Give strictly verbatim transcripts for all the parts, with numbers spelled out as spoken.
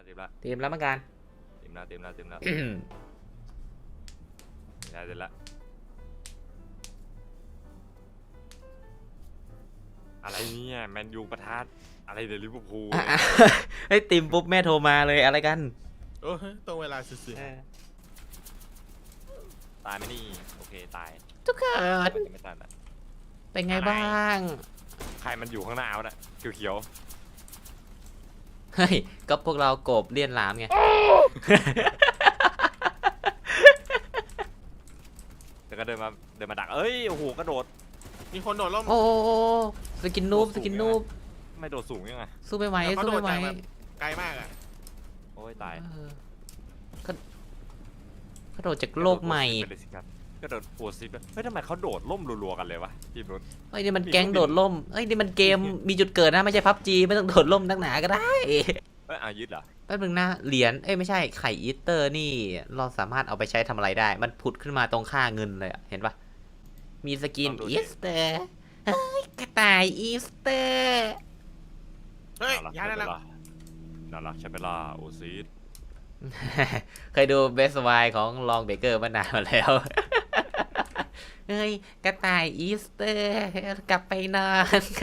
เต็มละเตรียมแล้วเหมือนกันเต็มละเต็มละเต็มละได้เต็มละอะไรเนี่ยแมนยูประทัดอะไรเดลิเวอร์พูลเฮ้ยติมปุ๊บแม่โทรมาเลยอะไรกันโอ้ตรงเวลาสื่อตายไหมนี่โอเคตายทุกคนมันจะไม่ตายละเป็นไงบ้างใครมันอยู่ข้างหน้าวะน่ะเขียวเฮ้ยก็พวกเราโกบเลี่ยนหลามไงๆแล้วก็เดินมาเดินมาดักเอ้ยโอ้โหกระโดดๆมีคนโดดล่มโอ้สกินนูบสกินนูบไม่โดดสูงยังไงสู้ไม่ไหวเขาสู้โดดไม่ไหวจากแบบไกลมากอ่ะโอ้ยตายเออก็กระโดดจากโลกใหม่กระโดดปวดซิปเฮ้ยทำไมเขาโดดล่มรัวๆกันเลยวะทีมนู้นเฮ้ยนี่มันแก๊งโดดล่มเฮ้ยนี่มันเกมมีจุดเกิดนะไม่ใช่พับจีไม่ต้องโดดล่มนักหนาก็ได้เอ้ยอายึดเหรอแป๊บนึงนะเหรียญเอ้ยไม่ใช่ไข่อีสเตอร์นี่เราสามารถเอาไปใช้ทำอะไรได้ มันผุดขึ้นมาตรงค่าเงินเลยอะเห็นปะมีสกินอีสเตอร์เฮ้ยกระต่ายอีสเตอร์เฮ้ยน่ารักย้ายได้แล้วน่ารักใช่ไหมล่ะโอซีดเคยดูเบสไวของลองเบเกอร์มานานมาแล้ว เฮ้ยกระต่ายอีสเตอร์กลับไปนอน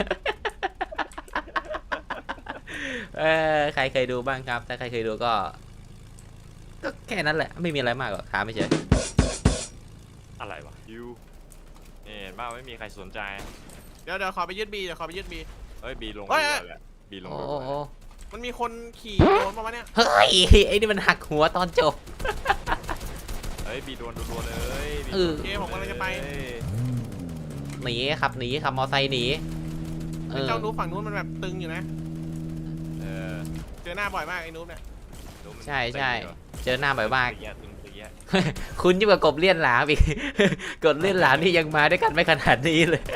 เออใครเคยดูบ้างครับ ถ้าใครเคยดูก็ ก็แค่นั้นแหละ ไม่มีอะไรมากหรอกถามไม่เฉยอะไรวะยูเนี่ยเห็นป่าวไม่มีใครสนใจเดี๋ยวเดี๋ยวขอไปยึดบีเดี๋ยวขอไปยึดบีเอ้ยบีลงเฮ้ยเลยแหละบีลงโอ้เลยโอ้มันมีคนขี่โดนมาวะเนี่ยเฮ้ยไอ้นี่มันหักหัวตอนจบเฮ้ยบีโดนรัวๆเลยเออโอเคผมกำลังจะไปหนีขับหนีขับมอไซค์หนีเออเจ้านูฝั่งนู้นมันแบบตึงอยู่นะเออเจอหน้าบ่อยมากไอ้นูเนี่ยดูมันใช่ใช่เตะเหรอเจอหน้าบ่อยมากตึงเตะตึงเตะคุณยิ่งกว่ากบเลี่ยนหลามอีก กบเลี่ยนหลามนี่ยังมาด้วยกันไม่ขนาดนี้เลย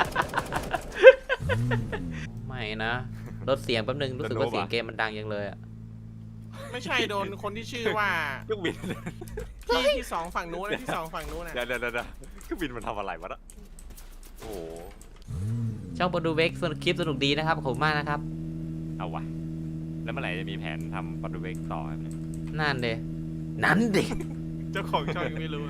ไม่นะลดเสียงแป๊บนึงรู้สึกว่าเสียงเกมมันดังยังเลยอะไม่ใช่โดนคนที่ชื่อว่าเครื่องบินที่ที่สองฝั่งนู้นนะที่สองฝั่งนู้นนะเดี๋ยวเดี๋ยวเดี๋ยวเครื่องบินมันทำอะไรวะน่ะโอ้โหช่องโปรดูเวกสนุกคลิปสนุกดีนะครับขอบคุณมากนะครับเอาวะแล้วเมื่อไหร่จะมีแผนทำปอดูเวกต่อครับเนี่ยนั่นเดนั่นเดเจ้าของช่องยังไม่รู้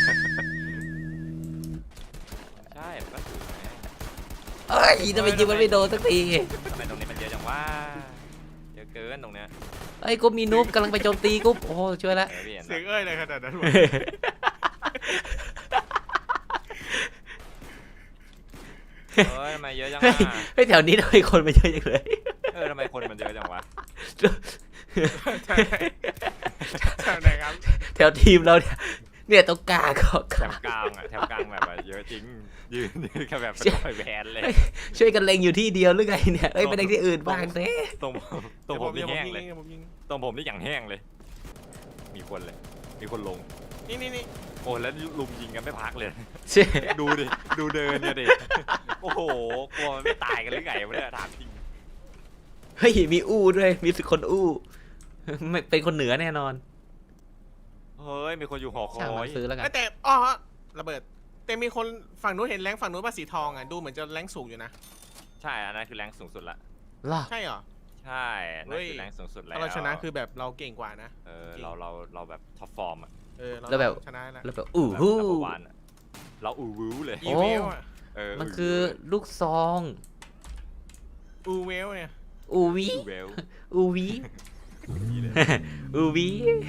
ใช่มันก็ถูกไงเอ้ยทำไมยิงมันไม่โดนสักทีทำไมตรงนี้มันเยอะจังวะเยอะเกินตรงเนี้ยเอ้ยกูมีนูบกำลังไปโจมตีกูโอ้โหช่วยละเออพี่เห็นเสียงปะเอ้ยเลยขนาดนั้นวะเฮ้ยทำไมเยอะจังเฮ้วะยเฮ้ยแถวนี้ทำไมคนมาเยอะจังเลยเออทำไมคนมันเยอะจังวะใช่ใช่ไหนครับแถวทีมเราเนี่ยเนี่ยตรงกลางก็แถวกลางอะแถวกลางแบบว่าเยอะจริงยืนยืนกันแบบเป็นรอยแบนเลยช่วยกันเล็งอยู่ที่เดียวหรือไงเนี่ยเอ้ยไปเล็งที่อื่นบ้างสิตรงตรงผมนี่เดี๋ยวแห้งยิเลยดี๋วผมยิงตรงผมนี่อย่างแห้งเลย มีคนเลย มีคนลงนี่นี่นี่โอ้แล้วลุมยิงกันไม่พักเลยใช่ดูดิ ดูเดินเนี่ยดิ โอ้โห กลัวมันไม่ตายกันหรือไงวะเนี่ยถามจริงเฮ้ยมีอู้ด้วยมีสิคนอู้ไม่เป็นคนเหนือแน่นอนเฮ้ย มีคนอยู่หอคช่างอมัยนซื้อแล้วกันแต่อ๋อระเบิด แต่มีคนฝั่งนู้นเห็นแรงฝั่งนู้นป่ะสีทองอ่ะดูเหมือนจะแรงสูงอยู่นะใช่ อันนั้นคือแรงสูงสุดละล่ะใช่เหรอใช่อันนั่นคือแรงสูงสุดแล้วถ้าเราชนะคือแบบเราเก่งกว่านะเออ เรา เรา เราแบบท็อปฟอร์มอะเออเราแล้วแบบชนะแล้วแล้วแบบอู้แบบหู้ number one อะเราอูวูเลยอีเวลอะเออมันคือลูกซองอูเวลเนี่ยอูวีอูเวลอูวีนี่เลยอูวี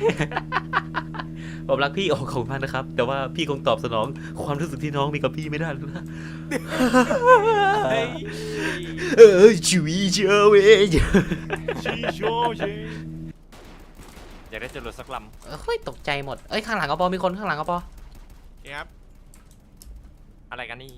ผมรักพี่โอ้ขอบคุณมากนะครับ แต่ว่าพี่คงตอบสนองความรู้สึกที่น้องมีกับพี่ไม่ได้แล้วนะเฮ้ยเออชีวิตเจ้าเว้ยชีโชเชอยากได้จรวดสักลเฮ้ยตกใจหมดเอ้ยข้างหลังกระปอมีคนข้างหลังกระปอครับำอะไรกันนี่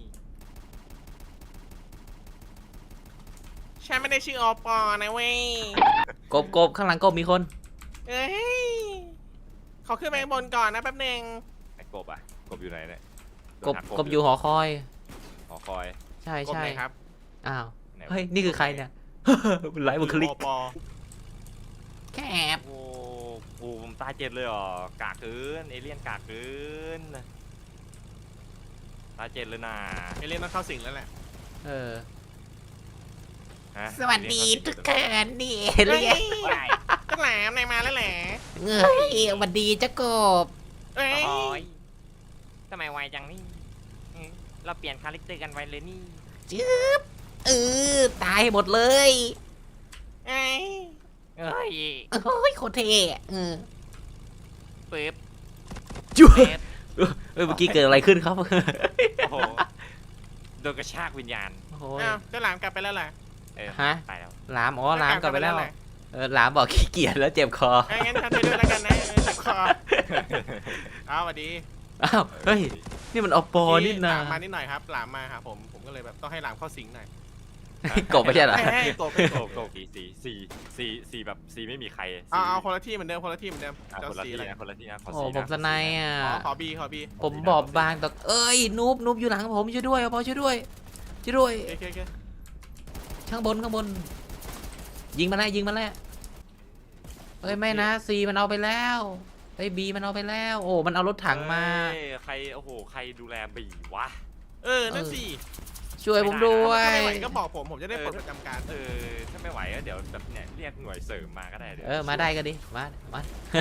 ฉันไม่ได้ชื่ออปอนะเว้ยกบกบข้างหลังกบมีคนเอ้ยเขาขึ้นไปข้างบนก่อนนะแป๊บนึงไอ้กบอ่ะ กบอยู่ไหนเนี่ยกบกบอยู่หอคอยหอคอยใช่กบใช่ไหนครับอ้าวไหนวะเฮ้ยนี่คือใครเนี่ย ไลฟ์บุคลิกอปอแคบโอ้โหผมตายเจ็ดเลยเหรอกากเกินเอเลี่ยนกากเกินตายเจ็ดเลยนะเอเลียนต้องเข้าสิงแล้วแหละเออฮะสวัสดีทุกคนนี่เรียกว้ายจ้าแหลมนายมาแล้วแหละเอ้ยสวัสดีเจ้ากบเอ้ยโอ้ยทำไมไวจังนี่อืมเราเปลี่ยนคาแรคเตอร์กันไวเลยนี่จึ๊บเออตายหมดเลยเอ้ยเอ้ยโอ้ยโคตรเท่เออปึ๊บจุ๊บเอ็ดเอ้ยเมื่อกี้เกิดอะไรขึ้นครับโอ้โหโดนกระชากวิญญาณโอ้ยอ้าวเจ้าหลามกลับไปแล้วแหละเออฮะไปแล้วหลามอ๋อหลามกลับไปแล้วหละเออหลามบอกขี้เกียจแล้วเจ็บคอเอ้ยงั้นทำไปด้วยแล้วกันนะเออเจ็บคอเอาสวัสดีอ้าวเฮ้ยนี่มันอปอนี่หนะลามมานิดหน่อยครับหลามมาหาผมผมก็เลยแบบต้องให้หลามเข้าสิงหน่อยกบไม่ใช่เหรอให้ให้กบให้กโกบโกสีสีสีสีสีแบบสีไม่มีใครเอาเอาคนละที่เหมือนเดิมคนละที่เหมือนเดิมอ่ะเจ้าคนละสีที่อะไรนะคนละที่นะขอโอ้สีผมสไนด์อ่ะอ๋อขอบีขอบีผมบอบบางแต่เอ้ยนูบนูบอยู่หลังผมช่วยด้วยพอช่วยด้วยช่วยด้วยโอเคโอเคข้างบนข้างบน ยิงมาแล้วยิงมาแล้วเอ้ยไม่นะซีมันเอาไปแล้วไอ้บีมันเอาไปแล้ว โอ้มันเอารถถังมาเอ้ยใครโอ้โหใครดูแลบีวะเออนั่นสิช่วยผมด้วยถ้าไม่ไหวก็บอกผมผมจะได้ปลดประจำการเออถ้าไม่ไหวก็เดี๋ยวแบบเนี่ยเรียกหน่วยเสริมมาก็ได้เดี๋ยวเออมาได้ก็ดีมามา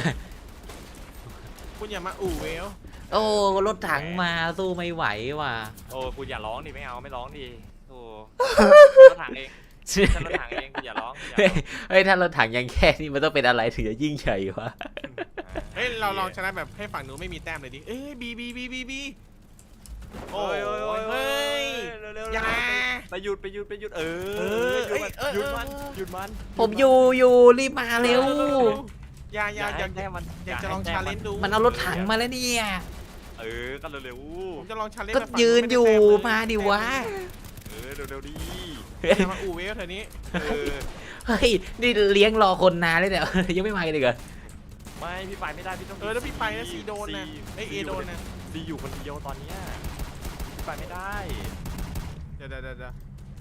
คุณอย่ามาอู่เวลโอ้รถถังมาสู้ไม่ไหวว่ะโอ้คุณอย่าร้องดิไม่เอาไม่ร้องดิโอ้รถถังเองฉันรถถังเองคุณอย่าร้องคุณอย่าร้องเฮ้ยถ้ารถถังยังแค่นี้มันต้องเป็นอะไรถึงจะยิ่งใหญ่วะเฮ้ยเราลองชนะแบบให้ฝั่งนู้นไม่มีแต้มเลยดิเอ้ยบีบีบีบีบีโอ้โอ้ยยโอ้ยโอ้ยเฮ้ยเร็วๆอย่าไปหยุดไปหยุดไปหยุดเอเอออหยุดมันเอ้ยหยุดเออมันหยุดมันผมอยู่อยู่รีบมาเร็วอย่าอย่าอย่าให้แต้มมันอยากจะลองชาเลนจ์ดูมันเอารถถังมาแล้วเนี่ยเออก็เร็วผมจะลองชาเลนจ์ก็แบบฝั่งยืนอยู่ไได้แต้มาดิวะๆเออเร็วๆดีอย่ามาอู่เวลเธอนี้เออเฮ้ยนี่เลี้ยงรอคนนานเลยเนี่ย ยังไม่มากันเลยเหรอไม่พี่ไปไม่ได้พี่ต้องเออถ้าพี่ไปนะซีโดนนะไอยเอโดนนะซีอยู่คนเดียวตอนเนี้ยพี่ไปไม่ได้เดี๋ยวเดี๋ยวเดี๋ยวเดี๋ยว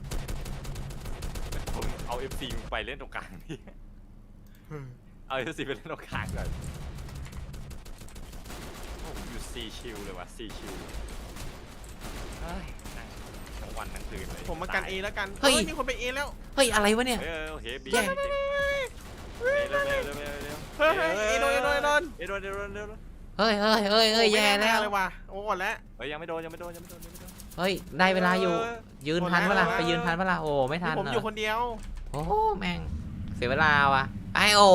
ผมเอา เอฟ ซี ไปเล่นตรงกลางนี่เอา เอฟ ซี ไปเล่นตรงกลางก่อนโอ้ผมอยู่ซีชิลเลยว่ะซีชิลเฮ้ยนั่งทั้งวันทั้งคืนเลยผมมากันเอแล้วกันเฮ้ยมีคนไปเอแล้วเฮ้ยอะไรวะเนี่ยเออโอเคบีแย่เร็วเร็วเร็วเร็วเร็วเร็วเฮ้ยเฮ้ยเอโดนเอโดนเอโดนเอโดนเอโดนเอโดนเฮ้ยเฮ้ยเฮ้ยเฮ้ยแย่แล้วเลยว่ะโอ้หมดแล้วเฮ้ยยังไม่โดนยังไม่โดนยังไม่โดนยังไม่โดนเฮ้ยได้เวลาอยู่ ยืนทันเวลาไปยืนทันเวลาโอ้ไม่ทันผมเหรอยู่อคนเดียวโอ้แม่งเสียเวลาว่ะไอโอ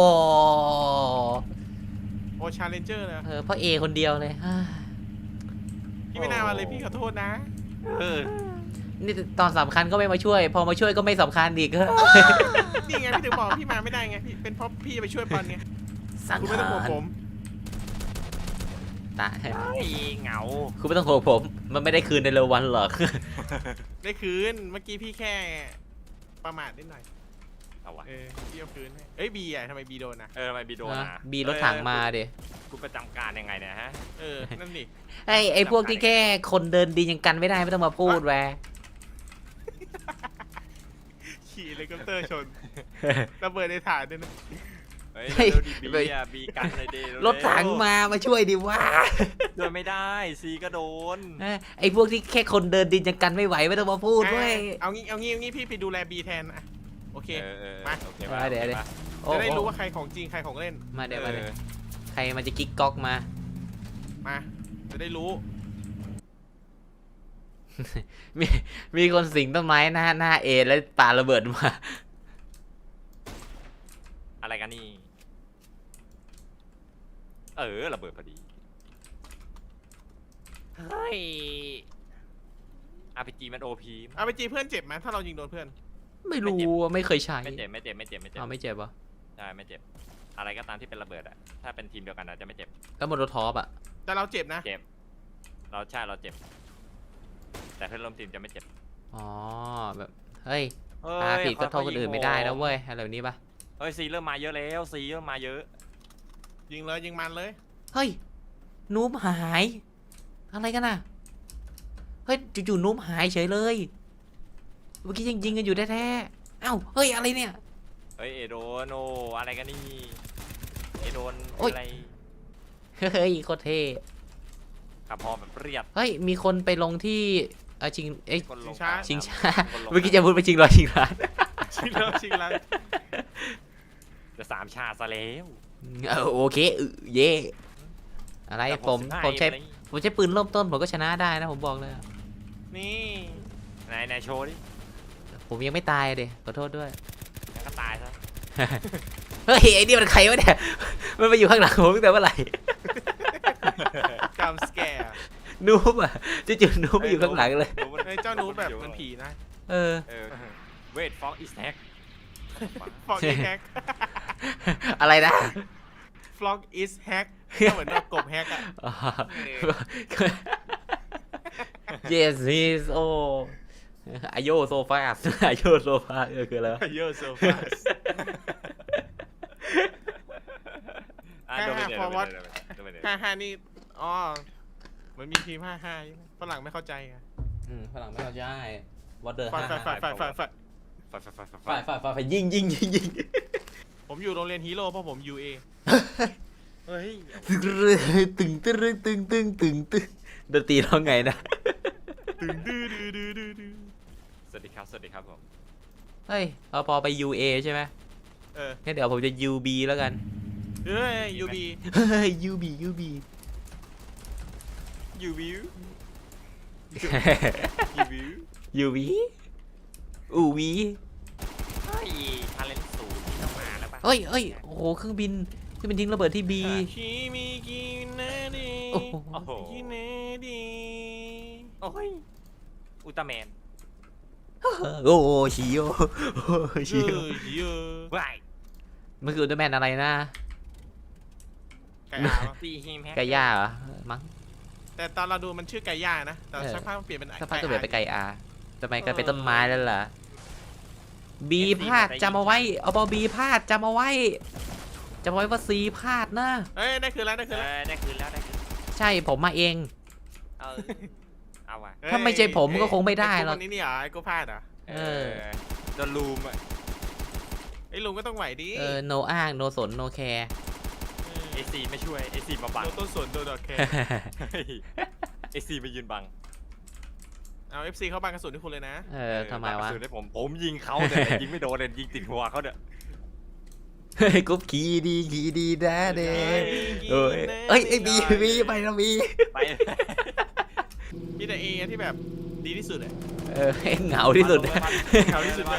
โอ้ชาเลนเจอร์เลยเออเพราะเอคนเดียวเลยเฮ้ยพี่ไม่น่ามาเลยพี่ขอโทษนะเออนี่ตอนสำคัญก็ไม่มาช่วย พอมาช่วยก็ไม่สำคัญอีกนี่ไงพี่ถึงบอกพี่มาไม่ได้ไงพี่เป็นเพราะพี่ไปช่วยปอนไงสังคุณไม่หาต้องห่วงรผมตายไอ้เหงาคุณไม่ต้องห่วงผม มันไม่ได้คืนในเร็ววันหรอกได้คืนเมื่อกี้พี่แค่ประมาทนิดหน่อยเอาวะเออพี่เอาคืนให้เอ้ยบีอ่ะทำไมบีโดนนะเออทำไมบีโดนนะอ่ะบีรถถังมาดิคุณประจำการยังไงเนี่ยฮะเออนั่นนี่ไอ้ไอ้พวกที่แค่คนเดินดียังกันไม่ได้ไม่ต้องมาพูดแวะขี่เฮลิคอปเตอร์ชนระเบิดในฐานด้วยนะเฮ้ยเร็วๆดิบีอ่ะบีกันเลยดิเวๆรถถังมามาช่วยดิวะเดินไม่ได้ซีก็โดนเอ้ยไอ้พวกที่แค่คนเดินดินยังกันไม่ไหวไม่ต้องมาพูดเว้ยเอางี้เอางี้เอางี้พี่ไปดูแลบีแทนอ่ะโอเคเออเออมาโอเคมาเดี๋ยวเดี๋ยว โอ้จะได้โอ้รู้ว่าใครของจริงใครของเล่นมาเดี๋ยวมาเดี๋ยวเออใครมันจะกิ๊กก๊อกมามาจะได้รู้มีมีคนสิงต้นไม้หน้าหน้าเอแล้วปาระเบิดมาอะไรกันนี่ เออระเบิดพอดีเฮ้ยอาร์พีจีมันโอพีเอาไปจีเพื่อนเจ็บไหมถ้าเรายิงโดนเพื่อนไม่รู้อะไม่เคยใช้ไม่เจ็บไม่เจ็บไม่เจ็บไม่เจ็บเอาไม่เจ็บปะใช่ไม่เจ็บ อะไรก็ตามที่เป็นระเบิดอะถ้าเป็นทีมเดียวกันอะจะไม่เจ็บแล้วโมโนท็อปอะแต่เราเจ็บนะเจ็บ เราใช่เราเจ็บ แต่เพื่อนร่วมทีมจะไม่เจ็บอ๋อแบบเฮ้ยเฮ้ปาย ผิดก็โทษค่คยนๆอื่นไม่ได้นะเว้ยอะไรแบบนี้ปะเฮ้ยซีเริ่มมาเยอะแล้วซีเริ่มมาเยอะยิงเลยยิงมันเลยเฮ้ยนูบหาย อะไรกันน่ะเฮ้ยจู่ๆนูบหายเฉยเลยเมื่อกี้ยังยิงกันอยู่แท้ๆเอ้าเฮ้ยอะไรเนี่ยเฮ้ยเอโดนโออะไรกันนี่ เอโดนโอ๊ยอะไรเฮ้ยโคตรเท่ขับพอแบบเรียบเฮ้ยมีคนไปลงที่เออชิงเอ้ยคนลงชิงช้าคนลงเมื่อกี้จะพูดไปชิงรอยชิงร้านชิงแล้วชิงแล้วจะสามชาติซะแล้วเออโอเคเออเย่อะไรแต่ผมสิบห้าผมใช้เองผมใช้ปืนเริ่มต้นผมก็ชนะได้นะผมบอกเลยนี่ไหนไหนโชว์ดิผมยังไม่ตายเด็ขอโทษด้วยงั้นก็ตายซะเฮ้ยไอ้นี่มันใครวะเนี่ยมันมาอยู่ข้างหลังผมตั้งแต่เมื่อไหร่กำสแกร์นูบอ่ะจู่ๆนูบมาอยู่ข้างหลังเลยรู้มันไอ้เจ้านูแบบมันผีนะเออเออเวทฟ็อกอีสแท็กฟอกอีแฮกอะไรนะฟล็อกอิสแฮกก็เหมือนแบบกบแฮกอะอ๋อ yes he's oh อโยโซฟาสอโยโซฟาเออคืออะไรวะเยอะโซฟาสอ่ะโดนไปเดี๋ยวโดนไปเดี๋ยวโดนไปเดี๋ยวห้าห้านี่อ๋อเหมือนมีทีมห้าห้าใช่ไหมฝรั่งไม่เข้าใจไงอืมฝรั่งไม่เข้าใจ what the ฝ่ายฝ่ายฝ่ายฝ่ายฝ่ายฝ่ายไฟไฟไฟไฟฝ่ายฝ่ายฝ่ายฝ่ายยิงยิงยิงยิงผมอยู่โรงเรียนฮีโร่เพราะผมยูเอเฮ้ยตึงตึงตึงตึงตึงตึงดนตรีร้องไงนะตึงดื้อดื้อดื้อดื้อดื้อสวัสดีครับสวัสดีครับผมเฮ้ยเอาพอไป ยู เอ ใช่ไหมเอองั้นเดี๋ยวผมจะ ยู บี แล้วกันเฮ้ยยูบีเฮ้ย ยู บี ยู บียูวิวยูวิวยู บี อูวีเฮ้ยทาเลนต์สูงต้องมาแล้วป่ะเฮ้ยเฮ้ยโอ้โหเครื่องบินเครื่องบินทิ้งระเบิดที่ บีคิมิกิเนดีโอ้โหโอ้โหกิเนดีโอ้ยอุลตร้าแมนโอ้โหชิโอโอ้โหเยชิโออะเยอะวายมันคืออุลตร้าแมนอะไรนะไก่อาปะตีฮิมแฮกไก่ย่าเหรอมั้งแต่ตอนเราดูมันชื่อไก่ย่านะ แต่เออสักพักมันเปลี่ยนเป็นสักพักก็เปลี่ยนไปอาไก่อาทำไมกลายเป็นต้นไม้แล้วล่ะบีพลาดจำเอาไว้เอาบอบีพลาดจำเอาไว้จำเอาไว้ว่าซีพลาดนะเอ้ยได้คืนแล้วได้เอคืนแล้วอได้คืนแล้วได้คืนใช่ผมมาเองเออเอาว่ะถ้าไม่ใช่ผมก็คงไม่ได้หรอกไอ้กูคนนี้นี่เหรอไอ้กูพลาดเหรอเออโดนลูมอ่ะไอ้ลุงก็ต้องไหวดิเออโนอ้างโนสนโนแคร์เอซีไม่ช่วยเอซีมาบังโดนต้นสนโดนดอกแคร์เอซีมายืนบังเอาเอฟซีเข้าบังกระสุนที่คุณเลยนะเออทำไมวะสุดให้ผมผมยิงเขาแต่ยิงไม่โดนเลยยิงติดหัวเขาเนี่ยเฮ้ยกุ๊บขี่ดีขี่ดีนะเด้เอ้ยเอ้ยไอ้บีบีไปนะบีไปมีแต่เอที่แบบดีที่สุดอะเออให้เหงาที่สุดนะเขาที่สุดเลย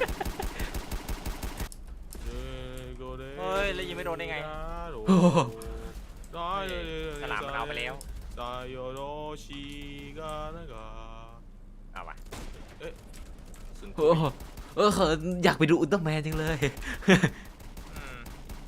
เฮ้ยแล้วยิงไม่โดนได้ไงโอ้โหฉลามมันเอาไปแล้วได้โยโรชิกานะกาเอาว่ะสุนโอ้โหเอออยากไปดูอุลตร้าแมนจังเลยอืม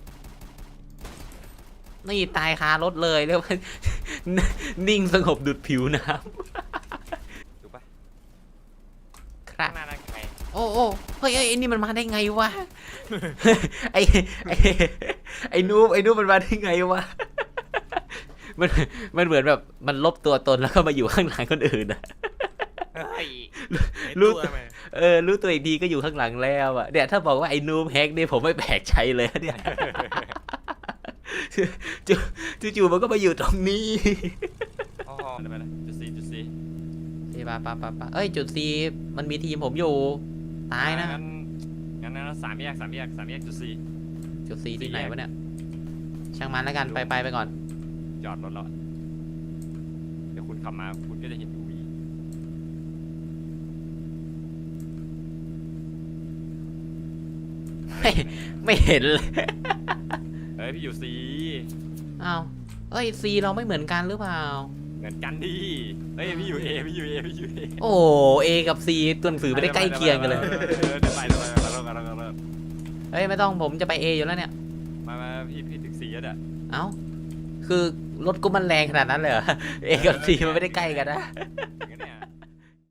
นี่ตายคารถเลยเรียกว่า นิ่งสงบดุดผิวน้ถูกปะำครับข้างหน้านั่นใครโอ้โอ้เฮ้ยไอ้นี่มันมาได้ไงวะ ไอ้ไอ้ไอ้นูบไอ้นูบมันมาได้ไงวะ มันมันเหมือนแบบมันลบตัวตนแล้วก็มาอยู่ข้างหลังคนอื่นอะเฮ้ยรู้รู้ไหมเออรู้ตัวอีกทีก็อยู่ข้างหลังแล้วอะเนี่ยถ้าบอกว่าไอ้นูบแฮกเนี่ยผมไม่แปลกใจเลยเนี่ย จู่จู่ๆมันก็มาอยู่ตรงนี้อ๋อเดี๋ยวไปเลยจุดสี่จุดสี่นี่ปะปะปะปะเอ้ยจุดซีมันมีทีมผมอยู่ตายนะงั้นงั้นงั้นสามแยกสามแยกสามแยกจุดสี่จุดซีที่ไหนสี่แยกวะเนี่ยช่างมันแล้วกันไปไปไปก่อนจอดรถแล้วอะเดี๋ยวคุณขับมาคุณก็จะเห็นยูวีไม่ไม่เห็นเลยเฮ้ยพี่อยู่ซีอ้าวเอ้ยซีเราไม่เหมือนกันหรือเปล่าเหมือนกันดิเฮ้ยพี่อยู่เอพี่อยู่เอพี่อยู่เอโอ้เอกับซีตัวหนังสือไม่ได้ใกล้เคียงกันเลยเดี๋ยวไปเดี๋ยวไปเดี๋ยวไปเดี๋ยวไปเดี๋ยวไปเดี๋ยวไปเฮ้ยไม่ต้องผมจะไปเออยู่แล้วเนี่ยมามาพี่พี่ถึงซีแล้วเนี่ยเอ้าคือรถกูมันแรงขนาดนั้นเลยเหรอ เอกับซีมันไม่ได้ใกล้กันนะไง